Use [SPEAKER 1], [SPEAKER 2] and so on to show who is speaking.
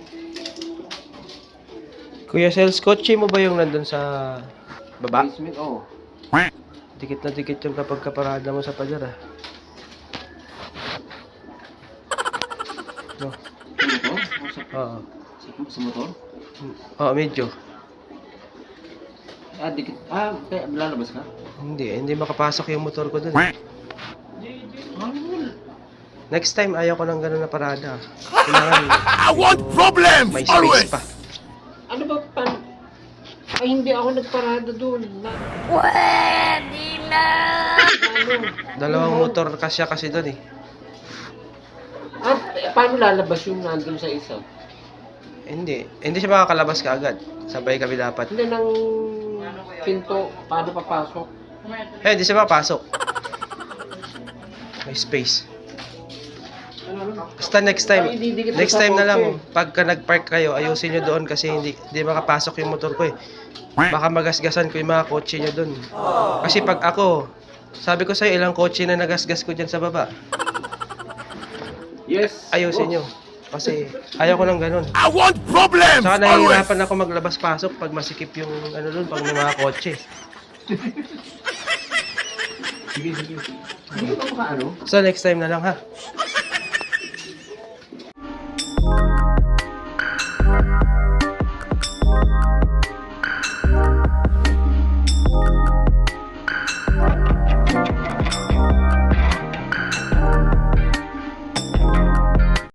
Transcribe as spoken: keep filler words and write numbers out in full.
[SPEAKER 1] Kuya Sels, kotse mo ba yung nandun sa baba?
[SPEAKER 2] Basement, oh.
[SPEAKER 1] Dikit na dikit yung kapag kaparada mo sa pader ah. No.
[SPEAKER 2] Sa motor? O sa,
[SPEAKER 1] Oo.
[SPEAKER 2] sa, sa motor?
[SPEAKER 1] Oo, medyo.
[SPEAKER 2] Ah, dikit. Ah, kaya lalabas ka?
[SPEAKER 1] Hindi, hindi makapasok yung motor ko dun.
[SPEAKER 2] Ano?
[SPEAKER 1] Next time, ayaw ko ng gano'n na parada. Kailangan,
[SPEAKER 3] I want problems
[SPEAKER 1] may space
[SPEAKER 3] always.
[SPEAKER 1] pa.
[SPEAKER 2] Ano ba pan... Ay, hindi ako nagparada doon. Na...
[SPEAKER 4] Pwede na!
[SPEAKER 2] Ano?
[SPEAKER 1] Dalawang motor kasya kasi dun eh.
[SPEAKER 2] Ah, eh, paano lalabas yung nandun sa isa?
[SPEAKER 1] Hindi, hindi siya makakalabas ka agad. Sabay kami dapat.
[SPEAKER 2] Hindi ng pinto, paano papasok?
[SPEAKER 1] Eh, hindi siya makapasok. May space.
[SPEAKER 2] Ano, ano?
[SPEAKER 1] Basta next time,
[SPEAKER 2] Ay, didikit mo
[SPEAKER 1] next
[SPEAKER 2] sa
[SPEAKER 1] time na lang,
[SPEAKER 2] kotse.
[SPEAKER 1] pagka nag-park kayo, ayusin nyo doon kasi hindi, hindi makapasok yung motor ko eh. Baka magasgasan ko yung mga kotse nyo doon. Kasi pag ako, sabi ko sa'yo, ilang kotse na nagasgas ko dyan sa baba.
[SPEAKER 2] Yes.
[SPEAKER 1] Ayusin
[SPEAKER 2] Oh.
[SPEAKER 1] nyo. Kasi ayaw ko ng ganun.
[SPEAKER 3] I want problems
[SPEAKER 1] Saka
[SPEAKER 3] always.
[SPEAKER 1] nahihirapan ako maglabas-pasok pag masikip yung ano doon, pag may mga kotse.
[SPEAKER 2] Sige, sige. Hindi ka maka ano?
[SPEAKER 1] So next time na lang ha.